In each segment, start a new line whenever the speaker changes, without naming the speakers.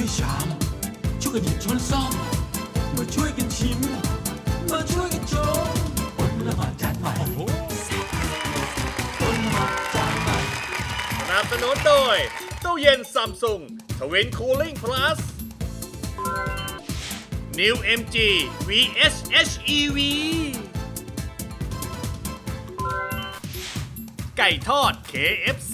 ชามช่วยกันหยิบช้อนซ่อมมาช่วยกันชิมมาช่วยกันชมอดละหมาดจานใหม่อดละหมาดจานใหม่
สนับสนุนโดยตู้เย็นซัมซุงทวินคูลิ่งพลัส New MG VS HEV ไก่ทอด KFC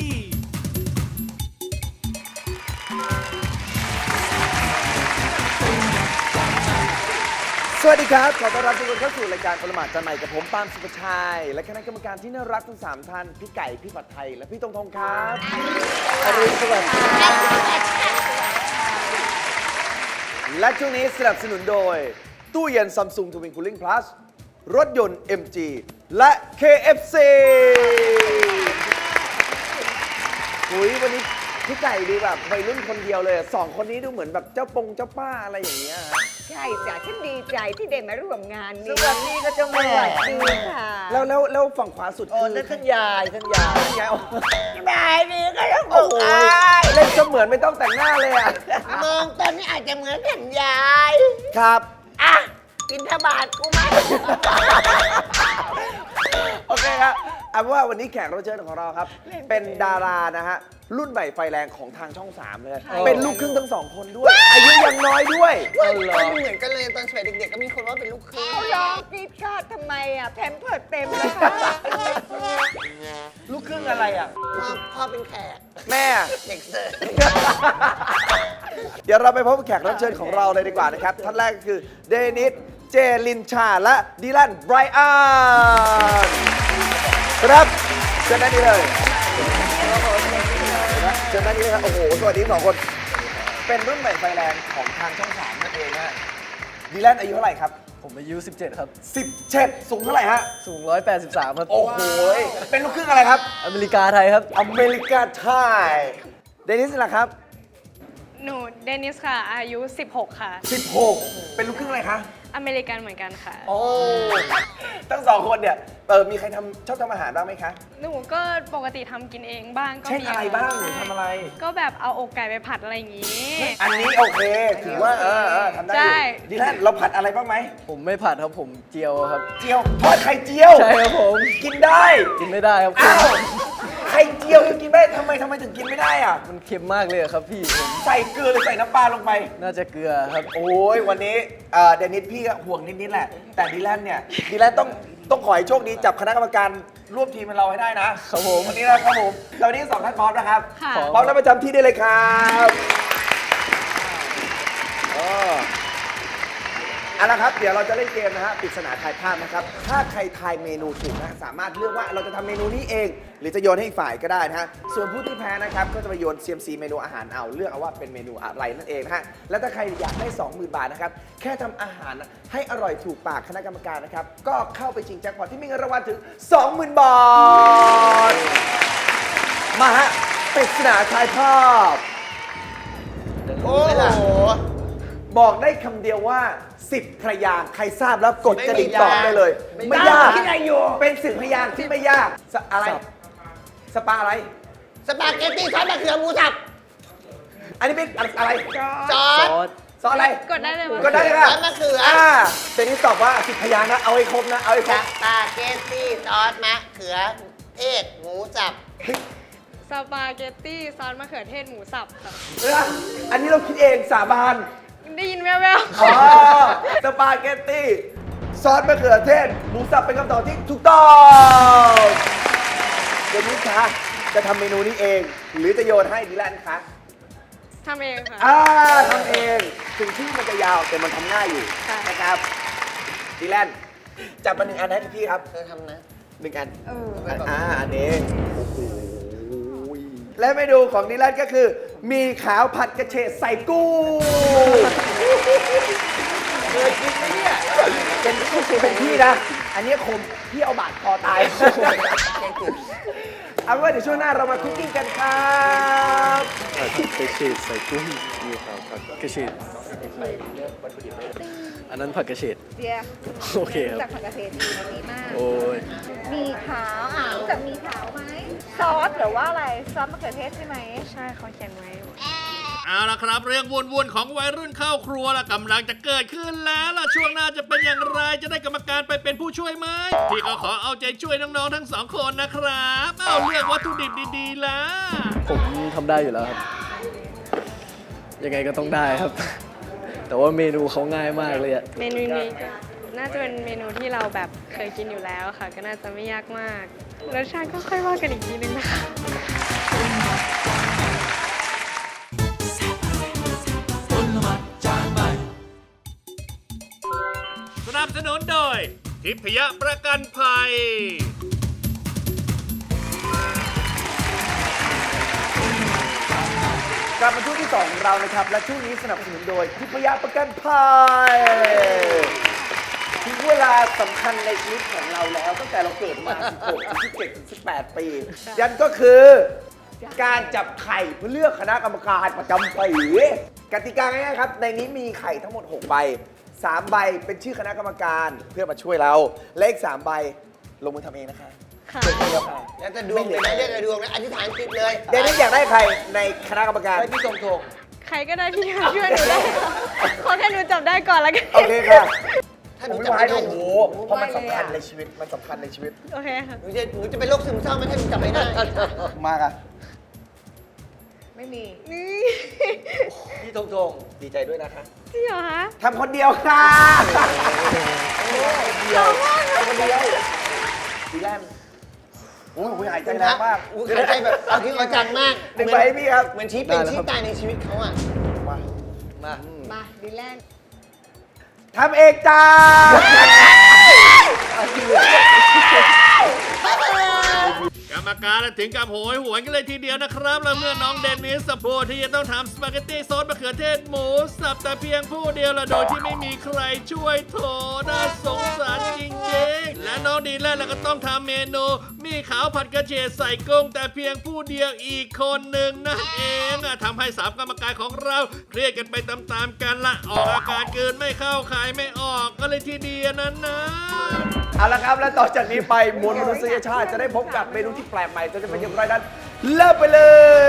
สวัสดีครับขอต้อนรับทุกคนเข้าสู่รายการคนละหมาดจานใหม่กับผมปาล์มสุภชัยและคณะกรรมการที่น่ารักทั้ง3ท่านพี่ไก่พี่ผัดไทยและพี่ตงครับอรุณสวัสดิ์และช่วงนี้สนับสนุนโดยตู้เย็น Samsung Twin Cooling Plus รถยนต์ MG และ KFC หุยวันนี้พี่ไก่ดูแบบวัยรุ่นคนเดียวเลย2คนนี้ดูเหมือนแบบเจ้าป้าอะไรอย่างเงี้ย
ใช่จ้ะฉันดีใจที่ได้มาร่วมงานนี้
สวัสดีค่ะเจ้าแม่
สวัสดีค่ะ
แล้วฝั่งขวาสุดคือ
นั่นท่านยาย
ยาย
บายดีก็ต้องบ
โอ้
อก
โห
อาย
เล่นเสมือนไม่ต้องแต่งหน้าเลยอ่ะ
มองตอนนี้อาจจะเหมือนกันยาย
ครับ
อ่ะกินทบาทกูไหม
โอเคครับเอาเป็นว่าวันนี้แขกรับเชิญของเราครับ เป็นดารานะฮะ รุ่นใหม่ไฟแรงของทางช่อง 3 เลย เป็นลูกครึ่งทั้ง 2 คนด้วย อายุยังน้อยด้วย
เหมือนกันเลยตอนสมัยเด็กๆก็มีคนว่าเป็นลูกครึ่ง
เขาร้องกรีดกราดทำไมอ่ะแพมเพิร์ดเต็มเลยค่ะ
ลูกครึ่งอะไรอ่ะ
พ่อเป็นแขก
แม่
เด็กเสิร์ฟ
เดี๋ยวเราไปพบกับแขกรับเชิญของเราเลยดีกว่านะครับ ท่านแรกก็คือเดนิส เจลินชา และดิลัน ไบรอันครับเชิญด้านนี้เลยเชิญด้านนี้เลยครับ โอ้โห สวัสดี2 คน เป็นรุ่นใหม่ไฟแรงของทางช่อง 3 นั่นเองนะดิลันอายุเท่าไหร่ครับ
ผมอายุ 17 ครับ
17 สูงเท่าไหร่ฮะ
สูง 183 ครับ
โอ้โห เป็นลูกครึ่งอะไรครับ
อเมริกาไทยครับ
อเมริกาไทย เดนิสล่ะครับ
หนูเดนิสค่ะ อายุ 16 ค่ะ
16 เป็นลูกครึ่งอะไรคะ
อเมริกันเหมือนกันค่ะ
โอ้ ทั้ง2 คนเนี่ย มีใครชอบทำอาหารบ้างไหมคะ
หนูก็ปกติทำกินเองบ้างก็
เช่น
มี
อะไรบ้างหนู
ใช่
ทำอะไร
ก็แบบเอาอกไก่ไปผัดอะไรอย่างงี้
อันนี้โอเค ถือว่าทำได้อ
ใช่
ยู่ดีแลนเราผัดอะไรบ้างไหม
ผมไม่ผัดครับ ผมเจียวครับ
เจียวทอดไข่เจียว
ใช่ครับผม
กินได้
กินไม่ได้ครับ
อ้าว ไข่เจียวยังกินไม่ได้ทำไมถึงกินไม่ได้อ่ะ
มันเค็มมากเลยอะครับพี่ผม
ใส่เกลือหรือใส่น้ำปลาลงไป
น่าจะเกลือครับ
โอ้ยวันนี้เดนิสพี่ก็ห่วงนิดๆแหละ แต่ดีแลนเนี่ยดีแลนต้องขอให้โชคดีจับคณะกรรมการร่วมทีมกับเราให้ได้นะครับ
ผม
วันนี้นะครับผมแล้ววันนี้2 ท่านพร้อมนะครับ
ค่ะ
พร้อมแล้วประจำที่ได้เลยครับเอาละครับ เดี๋ยวเราจะเล่นเกมนะฮะปริศนาทายภาพนะครับ ถ้าใครทายเมนูถูกนะสามารถเลือกว่าเราจะทำเมนูนี้เอง หรือจะโยนให้อีกฝ่ายก็ได้นะฮะ ส่วนผู้ที่แพ้นะครับก็จะไปโยน CMC เมนูอาหารเอาเลือกเอาว่าเป็นเมนูอะไรนั่นเองนะฮะ และถ้าใครอยากได้ 20,000 บาทนะครับ แค่ทำอาหารให้อร่อยถูกปากคณะกรรมการนะครับ ก็เข้าไปชิงแจ็คพอตที่มีเงินรางวัลถึง 20,000 บาท มาฮะปริศนาทายภาพ
โอ้โห
บอกได้คำเดียวว่า10 พยางค์ใครทราบแล้วกดกระดิ่งตอบได้เลย ไม่ยาก
คิดอะไรอยู่
เป็น10 พยางค์ที่ไม่ยากอะไร สปาอะไร
สปาเกตตี้ซอสมะเขือหมูสับ
อันนี้เป็นอะไร
ซอ
ซ
ส
อส
ซอสอะไร
กดได้เลยว่า
ก็ได้เลยค่ะ
ซอสมะเขือ
เป็นที่ตอบว่า10 พยางค์นะ เอาให้ครบนะ เอาให้คร
ส
บ
ปาเกตตี้ซอสมะเขือเทศหมูสับ
สปาเกตตี้ซอสมะเขือเทศหมูสับค่ะ
อันนี้เราคิดเองสาบาน
ได้ยินแว่ว
อ๋อสปาเกตตี้ซอสมะเขือเทศหมูสับเป็นคำตอบที่ถูกต้องเดี๋ยวนี้คะจะทำเมนูนี้เอง หรือจะโยนให้ดิแลนคะ
ๆทำเองค่ะ
ทำเองถึงชื่อมันจะยาวแต่มันทำง่ายอยู่
ค่ะ
นะครับดิแลนจับมา1 อันให้พี่ครับ
เธอทำนะ
1 อันอันนี้โอ้โหและเมนูของดิแลนก็คือ มีขาวผัดกระเฉดใส่กุ้งเคยกินไหมเนี่ยเป็นพี่นะ อันนี้คมพี่เอาบาดคอตาย เอาเป็นว่าเดี๋ยวช่วงหน้าเรามาคุกกิ้งกันครับ
ผัดกระเฉดใส่กุ้งมีขาวผัดกระเฉดอันนั้นผัดกระเฉด
เดีย
โอเคครับ
จากผักกาดเทศดีมาก
โอ้ย
มีขาวรู้จักมีขาวไหม ซอสหรือว่าอะไร ซอสมะเขือเทศใช่ไหม
ใช่เขาเขียนไว้
เอาละครับเรื่องวุ่นๆของวัยรุ่นเข้าครัวละกำลังจะเกิดขึ้นแล้วล่ะช่วงหน้าจะเป็นอย่างไรจะได้กรรมการไปเป็นผู้ช่วยไหมพี่ก็ขอเอาใจช่วยน้องๆทั้งสองคนนะครับเอาเลือกวัตถุดิบดีๆล่ะ
ผมทำได้อยู่แล้วครับ ยังไงก็ต้องได้ครับ แต่ว่าเมนูเขาง่ายมากเลยอะ
เมนูนี้ก็น่าจะเป็นเมนูที่เราแบบเคยกินอยู่แล้วค่ะ ก็น่าจะไม่ยากมากรสชาติก็ค่อยว่ากันอีกทีนึงนะคะ
ต้นละมัดจานใหม่
สนับสนุนโดยทิพยประกันภัย
กลับมาช่วงที่2ของเรานะครับ และช่วงนี้สนับสนุนโดยทิพยประกันภัยถึงเวลาสำคัญในชีวิตของเราแล้วตั้งแต่เราเกิดมา 16 17 18 ปียันก็คือการจับไข่เพื่อเลือกคณะกรรมการประจำปีกติกาง่ายๆครับ ในนี้มีไข่ทั้งหมด 6 ใบ 3 ใบเป็นชื่อคณะกรรมการเพื่อมาช่วยเราและอีก3ใบลงมือทำเองนะคะ
ค่ะ
แล้วจะดวงเป็นไรเรียกอะไรดวงนะอธิษฐานจิตเลย
เดนนี่อยากได้ใครในคณะกรรมการ
ไปพี่ตรง
ใครก็ได้ที่ช่วยหนูได้ขอแค่หนูจับได้ก่อนแล้วกัน
โอเคค่ะ
ๆถ้าห
ผ
นู
ม
จับ
ไม่
ไม่
ไหว
ได้
โอ้โหเพราะมันสำคัญในชีวิต มันสำคัญในชีวิต
โอเคค่ะ
หนูจะเป็นโรคซึมเศร้าไหมถ้าหนูจับไม่ได้
มากอะ
ไม่มี
นี่
พี่ทงดีใจด้วยนะคะ
จริงเหรอคะ
ทำคนเดียวค่ะ
ชอบมาก
ทำคนเดียวดีแลนด์โอ้โหหายใจแรงมาก
อุ้ยหายใจแบบเอาทิ้งเอาจังมาก
หนึ่งใบให้พี่ครับ
เหมือนชี้เป็นชี้ตายในชีวิตเขาอ่ะ
มา
มาดีแลนด์
ทำเองจ้า
กรรมการถึงกับโหยหวนกันเลยทีเดียวนะครับแล้วเมื่อน้องเดนนิสสะโพดที่จะต้องทำสปาเกตตี้ซอสมะเขือเทศหมูสับแต่เพียงผู้เดียวละโดยที่ไม่มีใครช่วยโถน่าสงสารจริงๆและน้องดีแลนด์ก็ต้องทำเมนูมีขาวผัดกระเฉดใส่กุ้งแต่เพียงผู้เดียวอีกคนหนึ่งนั่นเองทำให้สามกรรมการของเราเครียดกันไปตามๆกันละออกอาการเกินไม่เข้าขายไม่ออกก็เลยทีเดียวนั้นนะ
เอาละครับ และต่อจากนี้ไปมวลมนุษยชาติจะได้พบกับเมนูที่แปลกใหม่จะเป็นอย่างไรนั้นเริ่มไปเลย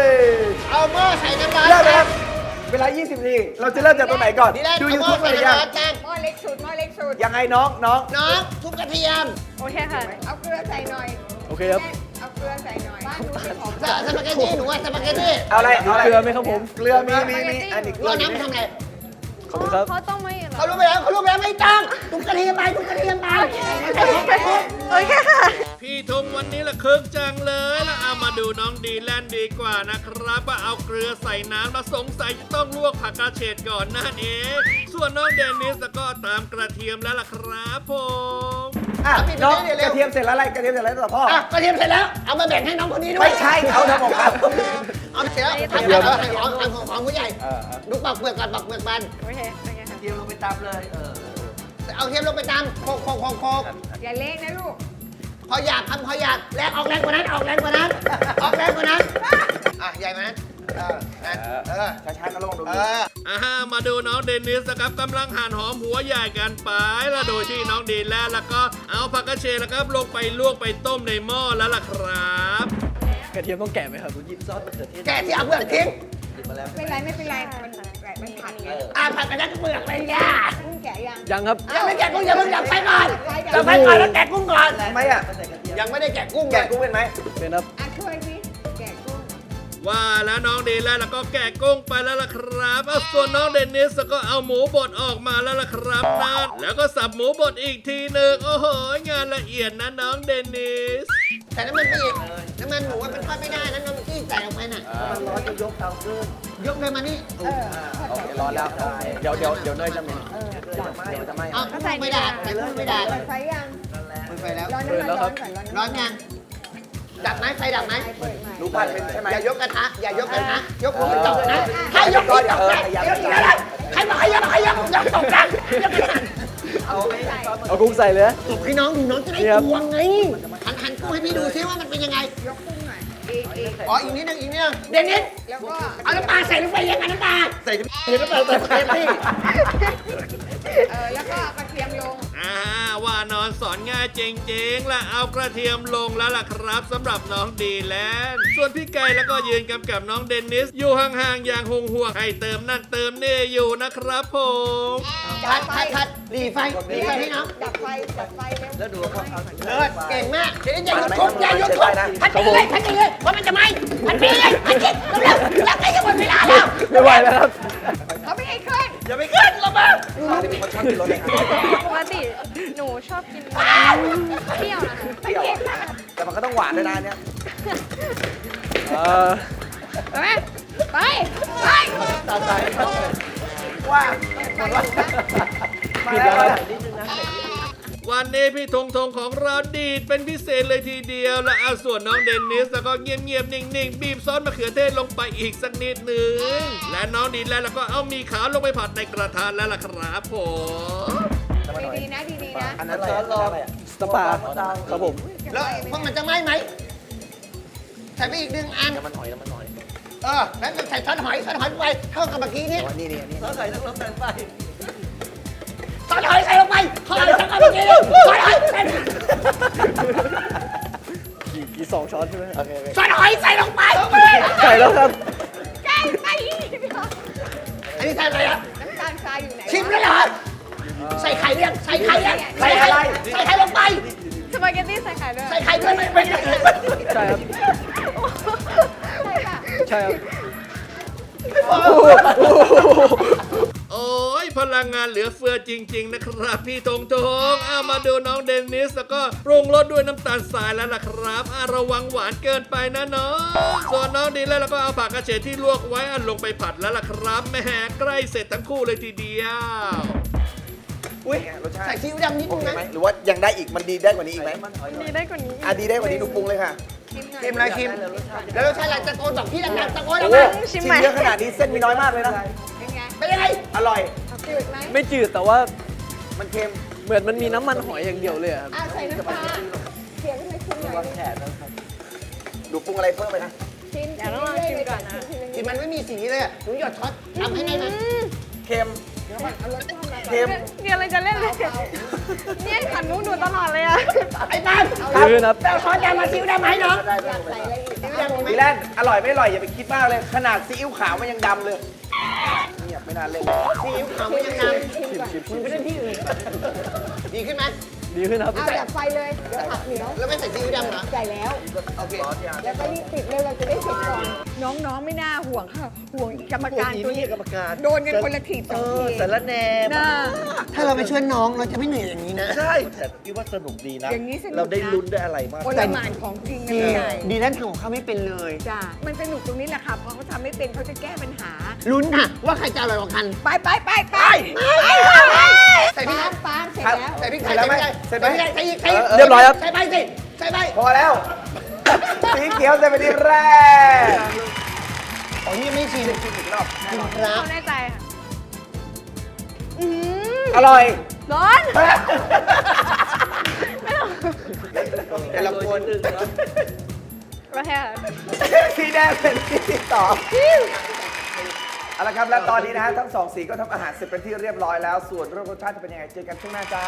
เอาหม้อใส่น้ำร้อน
เริ่มเลยครับ เวลา 20 นาที เราจะเริ่มจากตรงไหนก่อน
ดีแลนด์
ดู
เอาหม้อ
YouTube
ใส่
หรือยั
น้ำ
ง
ร้อนจัง
หม้อเล็กสุดหม้อเล็กสุด
ยังไงน้อง
น้องทุบกระเทียม
โอเคค่ะ
เอาเกลือใส่หน่อย
โอเคครับ
เอาเกลือใส่หน่อยบ้านหนูเป็นของ
สปาเกตตี้หนูว่าสปาเกตตี้
เอาอะไรเอาอะไร
เกลือไหมครับผม
เกลือมีอันนี้เกลื
เรา
อ
น้ำไปทำไง
ขอบคุณครับ
เขาต้องไม่เหรอ
เขารู้ไปแล้วไม่ต้องทุบกระเทียมไปทุบกระเทียมไป
โอเคค่ะ
พี่ทงวันนี้ละคึกจังเลยแล้วเอามาดูน้องดีแลนด์ดีกว่านะครับว่าเอาเกลือใส่น้ำแล้วสงสัยจะต้องลวกผักกระเฉดก่อนนั่นเองส่วนน้องเดนิสก็ตามกระเทียมแล้วล่ะครับผม
อ่ะน้องกระเทียมเสร็จแล้วอะไรกระเทียมเสร็จแล้วต่อพ่อ
อ่ะกระเทียมเสร็จแล้วเอามาแบ่งให้น้องคนนี้ด้วย
ไม่ใช่เขาทำของเขา
เอาเสร็จแล้วทำของผู้ใหญ่ดูปอกเปลือกก่อนปอกเปลือกมัน
โอเคโอเคค่ะ
เอาเทียมลงไปตำโคก
อย่าเละนะลูก
พอหยาบทำพอหยาบแรงออกแรงกว่านั้นออกแรงกว่านั้นอ่ะใหญ่ไหมนั้น
ช้าๆก็ลงดู
มาดูน้องเดนิสนะครับกำลังหั่นหอมหัวใหญ่กันไปแล้วโดยที่น้องดีแลนด์แล้วก็เอาผักกระเฉดนะครับลงไปลวกไปต้มในหม้อแล้วล่ะครับ
กระเทียมต้องแกะไหมครับ
แกะที่เอาเปลือกทิ้ง
ไม่เป็นไรมันผัดไง
ผัดไปนั้นเปลือกเลยย่า
กุ้งแกะยัง
ยังครับ
ยังไม่แกะกุ้งอย่าเพิ่งไปก่อนจะไปก่อนแล้วแกะกุ้งก่อน
ทำไมอ่ะ
ยังไม่ได้แกะกุ้ง
แกะกุ้งเป็นไหม
เป็นครับ
ช่วยสิแกะกุ้ง
ว่าแล้วน้องดีแลนด์แล้วก็แกะกุ้งไปแล้วล่ะครับส่วนน้องเดนิสก็เอาหมูบดออกมาแล้วล่ะครับนั่นแล้วก็สับหมูบดอีกทีหนึ่งโอ้โหงานละเอียดนะน้องเดนิส
แต่น้ำมันไปอีกน้ำมันหมูว่ามันทอดไม่ได้น้ำมันที่ใส่ลงไปน่ะ
มันร้อนจะยกเตาขึ้น
ยกเลยมานี่
โอเคร้อนแล้วเดี๋ยวเนยจะเหม็นเดี๋ยวจะไหม้
เอาไม่ได้แต่กุ้งไม่ได้
เปิดไฟยัง
มันไปแล้ว
ร้อนน้ำมันร้อนก่อนร้อน
ร้อนยังดับไหมไฟดับไหม
เปิดใหม่
รู้พันเป็นใช่ไหม
อย่ายกกระทะอย่ายกกระทะยกหัวมันตกนะถ้ายกหัวตกนะยกอย่างนั้นใครบอกให้ยกตกนะยกอย่างนั้น
เอากุ้งใส่เลยนะ
ตบให้น้องดูน้องจะได้กวงไงหันกุ้งให้พี่ดูซิว่ามันเป็นยังไง
ยกกุ้งหน่อยอีก
อ๋ออีกนิดนึงเดนนิส
แล้วก็
เอาน้ำปลาใส่ลงไปยังไงน้ำปลาใส่น้ำปลาใส่พี่
แล้วก็กระเทียมลง
ว่าานอนสอนง่ายจริงๆและเอากระเทียมลงแล้วล่ะครับสำหรับน้องดีแลนด์ส่วนพี่ไก่แล้วก็ยืนกำกับน้องเดนนิสอยู่ห่างๆอย่างห่วงๆให้เติมนั่นเติมนี่อยู่นะครับผม
คัดหลีไฟให้น้อง
ดับไฟเร็ว
แล้วดูเขาเอา
เลิศเก่งมากเดี๋ยวอย่าหยุดทุบอย่าหยุดทุบพัดไปเลยเพราะมันจะไหมพัดไปเลยพัดกินเร็วๆอยากให้จะหมดเวลาแล้ว
ไม่ไหวแล้วครับ
เขาไม่ให้ขึ้น
อย่าไปขึ้นลงมา
เป็นคนชอบกินรสเลยครับ
ปกติหนูชอบกินเปรี้ยวนะคะ
เปรี้ยวแต่มันก็ต้องหวานด้วยนะเนี่ย
ไปไหมไปไป
ตามใจว่ามาแล้ว
วันนี้พี่ธงของเราดีดเป็นพิเศษเลยทีเดียวและเอาส่วนน้องเดนนิสแล้วก็เงียบๆนิ่งๆบีบซอสมะเขือเทศลงไปอีกสักนิดหนึ่งและน้องดีแล้วก็เอามีขาวลงไปผัดในกระทะแล้วล่ะครับผม
ดีๆนะดีๆนะ
อันนั้นซอสรอ
สตาร์ปาครับผม
แล้วพวกมันจะไหมใส่ไปอีก1 อัน
น้ำมันหอยแล้ว
ใส่ช้อนหอยไปเท่ากับเมื่อกี้นี่
นี่แล้วใส่ทั้งรสแตงไป
ช้อนหอยใส่ลงไปเท่ากับเมื่อกี้นี่ช้อนหอยใส่
กี่2 ช้อนใช่ไหม
โอเค
ช้อนหอยใส่ลงไป
ใส่แล้วครับ
ใกล้ไปอีก
อันนี้ใส่อะไรอ่ะ
น้ำตาลทรายอยู่ไหน
ชิมแล้วเหรอใส่ไข่เรียงใส่ไข่ลงไป
สปาเกตตี้ใส่ไข่ด้วย
ใส่ไข่ด้วยไม่
ใช่ครับ
ใช่ป่ะ
ใช่ครับ
โอ้ยพลังงานเหลือเฟือจริงๆนะครับพี่ธงเอามาดูน้องเดนนิสแล้วก็ปรุงรสด้วยน้ำตาลทรายแล้วล่ะครับระวังหวานเกินไปนะน้องส่วนน้องดีแล้วก็เอาผักกระเฉดที่ลวกไว้ลงไปผัดแล้วล่ะครับแหมใกล้เสร็จทั้งคู่เลยทีเดียว
อุ้ยรสชาติ
ใส่ซีอิ๊วดำนิด
โอ
นึง
เค
นะ
ไหมหรือว่ายังได้อีกมันดีได้กว่านี้อีกไหม
ดีได้กว่านี้
ดีได้กว่านี้หนูปรุงเลยค่ะ
ชิมเลยชิมแล้วรสชาติอะไรตะโกนบอกพี่ดังๆตะโกนอ
โอ้
อก
โห
มา
ชิมเยอะขนาดนี้เส้นมีน้อยมากเลยนะ
เป็นไง
เป็นยังไง
อร่อย
จืดไหม
ไม่จืดแต่ว่า
มันเค็ม
เหมือนมันมีน้ำมันหอยอย่างเดียวเลยอะครับ
ใส่น้ำปลาเสียงไม่คุ้นเลย
ดูปรุงอะไรเพิ่มไปนะ
ชิม
เดี๋ยวต้องลองชิมก่อนนะ
กินมันไม่มีสีเลยหนูหยดช็อตทำให้ได้ไหม
เค็ม
เอารสชาติมา
เค็ม
เดี๋ยวอะไรจะเล่นเลยเนี่ยขันหนูตลอดเลยอะ
ไอ้บ้าน
ยืนครับ
แต่ช้อนยามาซิวได้ไหมน้อง
อยากใส่อะไรอีก
ซิวดำมีไหม
ดีแลนด์อร่อยไม่อร่อยอย่าไปคิดมากเลย ขนาดซีอิ๊วขาวมันยังดำเลยเงียบไม่น่าเล่น
ซีอิ๊วขาวมันยังน
ชิมก่อน
ำมันไม่ได้ที่อื่นดีขึ้นไหม
ดีขึ้นครับ
เอาดับไฟเลย เดี๋ยวผักเหนียว
แล้วไม่ใส่ซีอิ๊วดำเหรอ
ใส่แล้ว
โอเค
แล้วก็รีบปิดเลยเราจะได้เสร็จก่อน น้องๆไม่น่าห่วงค่ะ ห่วงกรรมการตัวนี้
กรรมการ
โดนกันคนละทีสองที
สารแหน
น่า
ถ้าเราไปช่วยน้องเราจะไม่เหนื่อยอย่างนี้นะ
ใช่แต่พี่ว่าสนุกดีนะ
อย่างนี้สนุกนะ
เราได้ลุ้นได้อะไรมาก
คนละหมานของจริงนะใช่
ดีนั่นทำของเขาไม่เป็นเลย
จ้ามันสนุกตรงนี้แหละค่ะเพราะเขาทำไม่เป็นเขาจะแก้ปัญหา
ลุ้นค่ะว่าใครจะอร่อยกว่ากัน
ไปไปไปไป
ใส่พริก
ปาล์มเสร็จแล้ว
ใส่พริก
เสร็จแล้วไหมเสร็จไหม
ใส่อีกใส่อีก
เรียบร้อยครับ
ใส่ไปสิใส่ไป
พอแล้ว สีเขียวจะเป็นทีแรก
อ๋อนี่ไม่ชิมชิมอีกรอบชิมครับ
ไม่แน่ใจค่ะ
อร่อย
ร้อน
แต่ละคน
ก็แค่
สีแดงเป็นสีต่อเอาละครับและตอนนี้นะฮะทั้งสองสีก็ทำอาหารเสร็จเป็นที่เรียบร้อยแล้ว ส่วนเรื่องรสชาติจะเป็นยังไงเจอกันช่วงหน้าจ้า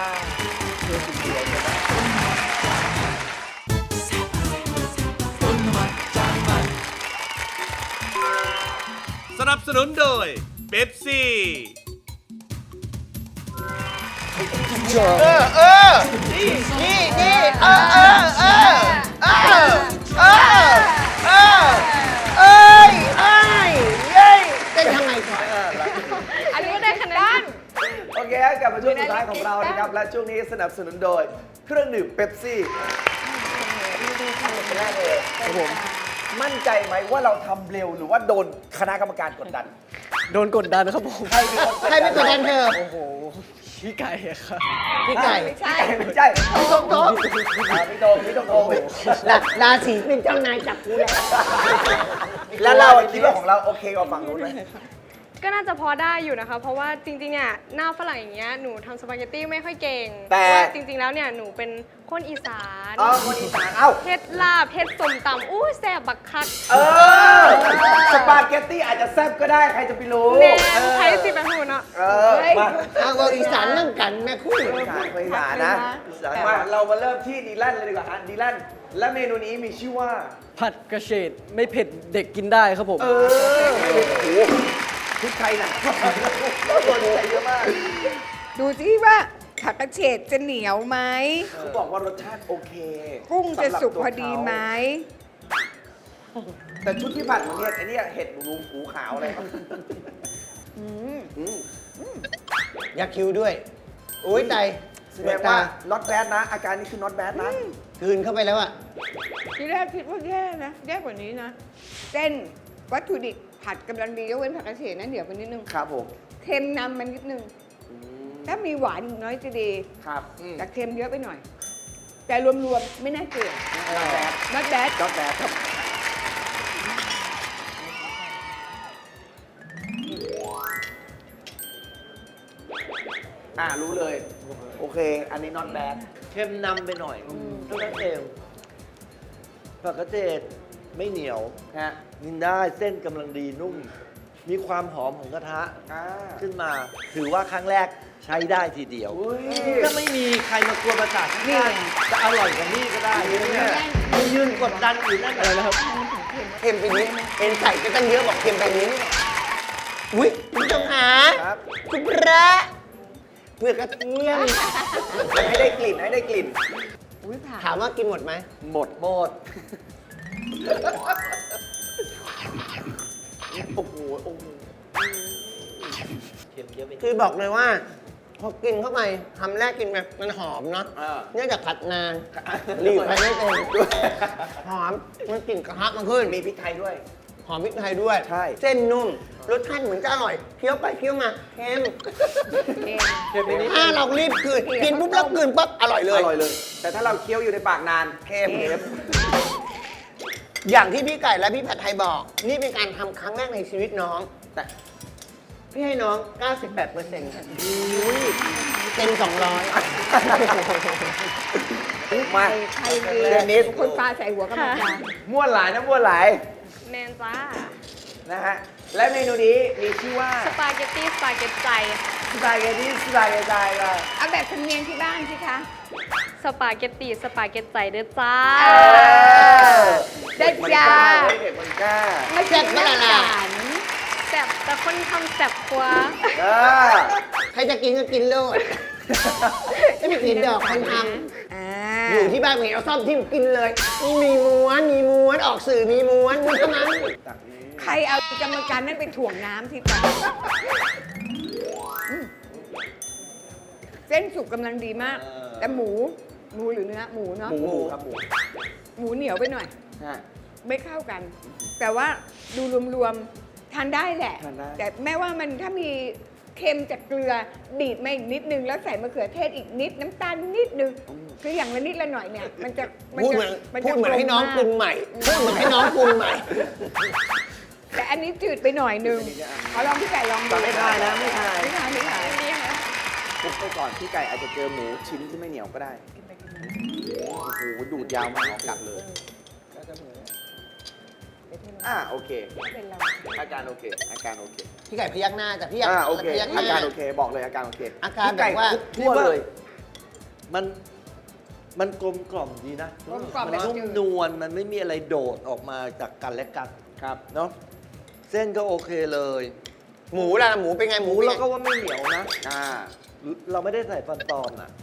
สนับสนุนโดยเบปซี่
เต้นทำไงก่อน
อันนี้ก็ได้คะแนน
โอเคฮะกลับมาช่วงสุดท้ายของเรานะครับ และช่วงนี้สนับสนุนโดยเครื่องดื่มเป๊ปซี่แรกเลยครับผมมั่นใจไหมว่าเราทำเร็วหรือว่าโดนคณะกรรมการกดดัน
โดนกดดันครับผม
ใครเป็นคน
ใครเป็นตัวแทนเธอ
โอ้โห พี่ไก่อะครับ
พี่ไก่
ไม่ใช่
ไม่ใช่
พี่โต๊ะโต๊ะ
พี่โดมพี่โดม
ราศีเป็นเจ้านายจับกูแหละ
แล้วเราคิดว่าของเราโอเคกว่าฝั่งนู้นไหม
ก็น่าจะพอได้อยู่นะคะ เพราะว่าจริงๆเนี่ยหน้าฝรั่งอย่างเงี้ยหนูทำสปาเกตตี้ไม่ค่อยเก่ง
แต่
เพราะว่าจริงๆแล้วเนี่ยหนูเป็นคนอีสาน
คนอีสานเอ้า
เฮ็ดลาบเฮ็ดส้มตำอู้แซ่บบักคัก
สปาเกตตี้อาจจะแซ่บก็ได้ใครจะไปรู้
แน่ใช้สิเป็นหูเนาะ
มา
เอาเอาอีสานนั่งกันแม่คู่
อีสานไปอีสานนะมาเรามาเริ่มที่ดีแลนเลยดีกว่าฮะดีแลนและเมนูนี้มีชื่อว่า
ผัดกระเฉดไม่เผ็ดเด็กกินได้ครับผม
โอ้โหพริกไทยหนักตัวนี้ใส่เยอะมาก
ดูสิว่าผักกระเฉดจะเหนียวไหม
เขาบอกว่ารสชาติโอเค
กุ้งจะสุก
สำหรับตัว
พอดีไหม
แต่ชุดที่ผัดของเนี่ยไอ้เนี่ยเห็ดรูหูขาวอะไรครับ
ยักษ์คิ้วด้วยโอ้ยใจ
แสดงว่า not bad นะ อาการนี้คือ not bad นะ
กลืนเข้าไปแล้วอะ
ทีแรกคิดว่าแย่นะ แย่กว่านี้นะ เส้นวัตถุดิบผัดกำลังดียกเว้นผักกระเฉดนะเดี๋ยวไปนิดนึง
ครับผม
เค็มนำมันนิดนึง ถ้ามีหวานอีกน้อยจะดี
ครับอืม
แต่เค็มเยอะไปหน่อย แต่รวมๆ ไม่น่าเกลียด not bad
not bad ครับรู้เลย โอเค อันนี้ not bad
เค็มนำไปหน่อยเท่านั้นเองผักกระเฉดไม่เหนียว
ฮะ
กินได้เส้นกำลังดีนุ่ม มีความหอมของกระทะ
อ่า
ขึ้นมา ถือว่าครั้งแรกใช้ได้ทีเดียว
อุ้ย
ก็ไม่มีใครมากวนประสาทที่
นี่
บ้านจะอร่อยกว่านี้ก็ได้เนี่ยมันยืนกดดันอยู่นั่นอะไรนะครับ
เค็มไปนิดเอ็นใส่ก็ตั้งเยอะบอกเค็มไปนิดอุ้ยคุณผู้ชมหา
ครับ
คุณพระเปลือกกระเทียม
ให้ได้กลิ่น ให้ได้กลิ่น
อุ้ยผ่า
ถามว่ากินหมดไหม
หมด
หมด
โอ้โห โอ้โห
เค็มเยอะไป
คือบอกเลยว่า พอกินเข้าไปคำแรกกินแบบมันหอมเนาะ
อ่า
เนื่องจากผัดนานหลีกไปไม่เป็นหอมมันกลิ่นกระทะมันขึ้น
มีพริกไทยด้วย
หอมพริกไทยด้วย
ใช่
เส้นนุ่ม รสชาติเหมือนจะอร่อย เคี้ยวไปเคี้ยวมาเค็ม
เค็มนิด
ถ้าเรารีบกลืนกินปุ๊บแล้วกลืนปั๊บอร่อยเลย
อร่อยเลย แต่ถ้าเราเคี้ยวอยู่ในปากนาน
เค็ม อย่างที่พี่ไก่และพี่ผัดไทยบอก นี่เป็นการทำครั้งแรกในชีวิตน้อง
แต่
พี่ให้น้อง 98%เต็ม200
มา
ใครดี
เดนิส
คนปลาใส่หัวกำลังกา
ม้วนหลายนะม้วนหลาย
แมนจ้า
นะฮะ และเมนูนี้มีชื่อว่า
สปาเกตตี้สปาเกตใจ
สปาเกตตี้สปาเกตตี้ค่ะ
เอาแบบสำเนียงที่บ้านสิคะ
สปาเกตตี้สปาเกตใจเด้อจ้า
ได้จ้า
เด็กมันกล้า
ไม่ใช่ไม่ละลาน
แซ่บแต่คนทำแซ่บกว่า
เออ
ใครจะกินก็กินโลดไม่มีกินดอกคนท
อ่า
ำอยู่ที่บ้านมีเอาซ่อมทิ่มกินเลย มีม้วนออกสื่อมีม้วนเท่านั้น
ใครเอากรรมการนั้นไปถ่วงน้ำที่ตาเส้นสุกกำลังดีมาก แต่หมูหรือเนื้อหมูเนาะ
หมูครับหมู
หมูเหนียวไปหน่อย
ฮะ
ไม่เข้ากัน แต่ว่าดูรวมๆทานได้แหละ
ทานได้
แต่แม้ว่ามันถ้ามีเค็มจากเกลือดีดมาอีกนิดนึง แล้วใส่มะเขือเทศอีกนิดน้ำตาลนิดนึงคืออย่างละนิดละหน่อยเนี่ย มันจะ
พูดเหมือน
มัน
พู
จะ
ดเหมือนให้น้อง
กลม
ปรุ
มาก
งใหม่พูดเหมือนให้น้องปรุงใหม่
แต่อันนี้จืดไปหน่อยนึงเอาลองพี่ไก่ลองดู
ไม่ทายนะไม่ทาย
ไม่ทานไม่ทาน
ดีค่ะ
คลุกไปก่อนพี่ไก่อาจจะเจอหมูชิ้นที่ไม่เหนียวก็ได้ โอ้โห ดูดยาวมากกัดเลย โอเค
เป็นเรา
อาการโอเค อาการโอเค
พี่ไก่พยักหน้าแต่พี่อยาก
โอเค
พยักห
อา
น้า
การโอเค บอกเลยอาการโอเค
อาการ
พี่ไก่
แบบว่า
คลุกทั่วเลย
มันกลมกล่อมดีนะ
กลมกล่อม
มัน
แบบ
นุ่ม
จืด
นวลมันไม่มีอะไรโดดออกมาจากกันและกัน
ครับ
เนาะเส้นก็โอเคเลย
หมูล่ะหมูเป็นไง
หมูเราก็ว่าไม่เหนียวนะ เราไม่ได้ใส่ฟันปลอมอ่ะ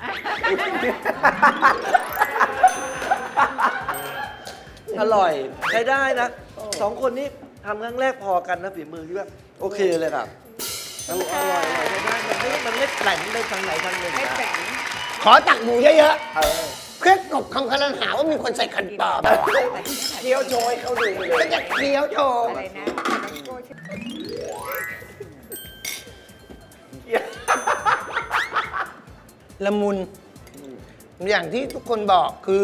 อร่อยใช้ได้นะสองคนนี้ทำครั้งแรกพอกันนะฝีมือที่ว่าโอเคเลยครับอร่อยใช้ได้มันไม่แกร่งไปทางไหนทางหนึ่ง
ไม่
นะ
แข็ง
ขอตักหมูเยอะ
เออ
ๆเพื่อกลบคำคารหาว่ามีคนใส่ขันปลอม
เคี้ยวโชยเขาดูไปเล
ก็
ย
จะเคี้ยวโชว์
อะไรนะโก้ชื่อ
ละมุน อย่างที่ทุกคนบอกคือ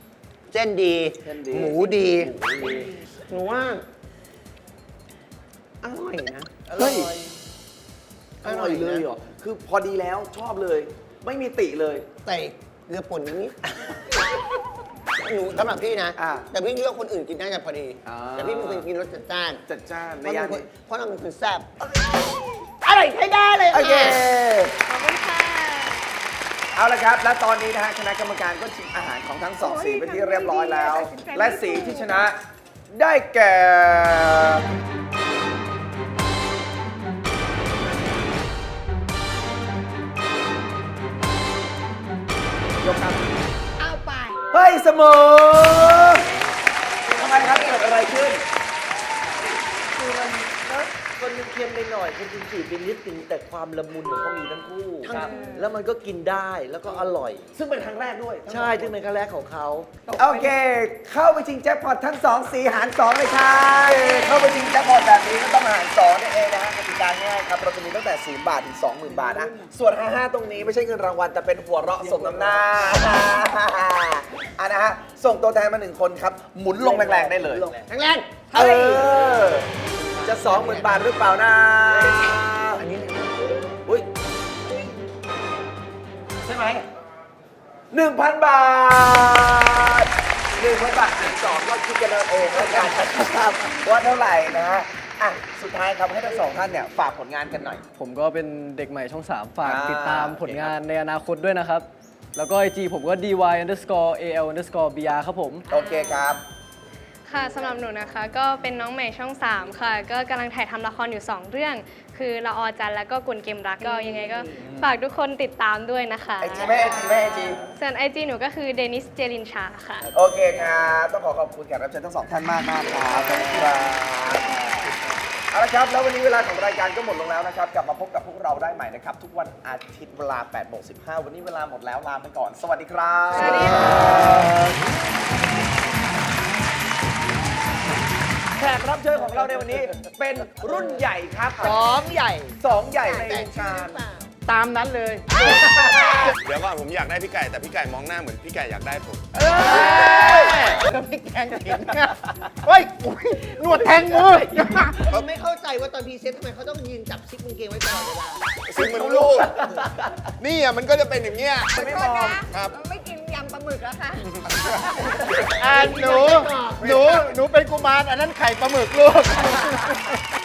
เส้นดี
เส้นดี
หมูดี หนูว่าอร่อยนะ
เฮ้ยอร่อยเลยเหรอ คือพอดีแล้วชอบเลย ไม่มีติเลย
ใส่เกลือป่นนิดหนูสำหรับพี่นะ
อ่า
แต่พี่คิดว่าคนอื่นกินได้จะพอดี
อ่า
แต่พี่เป็นคนกินรสจัดจ้าน
จัดจ้าน
เพ
ใน
ราะ
ย่าน
เรา
นี้
เพราะเราเป็นคนแซ่บอร่อยใช้ได้เลย
โอเค
ขอบคุณค่ะ
เอาละครับ และตอนนี้นะฮะคณะกรรมการก็ชิมอาหารของทั้งสองสีเป็นที่เรียบร้อยแล้ว และสีที่ชนะได้แก่ ยกครับ
เอาไป
เฮ้ยเสมอทำไมครับเกิดอะไรขึ้น
คือมันนะคนนึงเค็มไปหน่อยคนนึงจืดไปนิดนึงแต่ความละมุนของเขามีทั้งคู่
ครับ
แล้วมันก็กินได้แล้วก็อร่อย
ซึ่งเป็นครั้งแรกด้วย
ใช่ซึ่งเป็นครั้งแรกของเขา
โอเค เข้าไปชิงแจ็คพอตทั้ง2สีหาร2เลยครับเข้าไปชิงแจ็คพอตแบบนี้ก็ต้องหาร2นั่นเองนะฮะกติกาง่ายครับ เราจะมีตั้งแต่0บาทถึง 20,000 บาทนะ ส่วน 55 ตรงนี้ไม่ใช่เงินรางวัลแต่เป็นหัวเราะสมน้ำหน้าอ่ะนะฮะ ส่งตัวแทนมา1คนครับ หมุนลงแรงๆได้เลย
แรง
เออ จะ 20,000 บาทหรือเปล่านะ
อันนี้
อุ้ย
ใช่ไหม
1,000 บาท 1,000 บาทหาร2ก็คิดกันเอาเองแล้วกันนะครับว่าเท่าไหร่นะฮะ อ่ะ สุดท้ายครับให้ทั้งสองท่านเนี่ยฝากผลงานกันหน่อย
ผมก็เป็นเด็กใหม่ช่อง 3 ฝาก
อ่า
ติดตามผลงานในอนาคตด้วยนะครับ แล้วก็ IG ผมก็ dy_al_br ครับผม
โอเคครับ
ค่ะสำหรับหนูนะคะ ก็เป็นน้องใหม่ช่อง 3 ค่ะ ก็กำลังถ่ายทำละครอยู่ 2 เรื่อง คือละออจันทร์แล้วก็กุนเกมรักก็ยังไงก็ฝากทุกคนติดตามด้วยนะคะ
ไอจีไม่ไอจีไม่ไอจี
ส่วน IG หนูก็คือเดนิสเจลินชาค่ะ
โอเคครับ ต้องขอบคุณแขกรับเชิญทั้งสองท่านมากมากๆครับขอบคุณครับเอาละครับ แล้ววันนี้เวลาของรายการก็หมดลงแล้วนะครับ กลับมาพบกับพวกเราได้ใหม่นะครับ ทุกวันอาทิตย์เวลา 8:15 วันนี้เวลาหมดแล้วลาไปก่อน สวัสดีครับ
สวัสดีค่ะ
แขกรับเชิญของเราในวันนี้เป็นรุ่นใหญ่ครับ
สองใหญ่
สองใหญ่ในวงการ
ตามนั้นเลย
เดี๋ยวก่อนผมอยากได้พี่ไก่แต่พี่ไก่มองหน้าเหมือนพี่ไก่อยากได้ผม
ก็พริกแกงกระถิ่นเฮ้ยอุ๊ยหนวดแทงมือผมไม่เข้าใจว่าตอนพรีเซนต์ทำไมเขาต้องยืนจับซิกกางเกงไว้ตลอดเวลา
ซึ่งมันลูก นี่อ่ะมันก็จะเป็นอย่างเงี้ย
ไม่มอง
ครับ
ไม่กินยำปลาหมึกแล้วค่ะ
หนูเป็นกุมารอันนั้นไข่ปลาหมึกลูก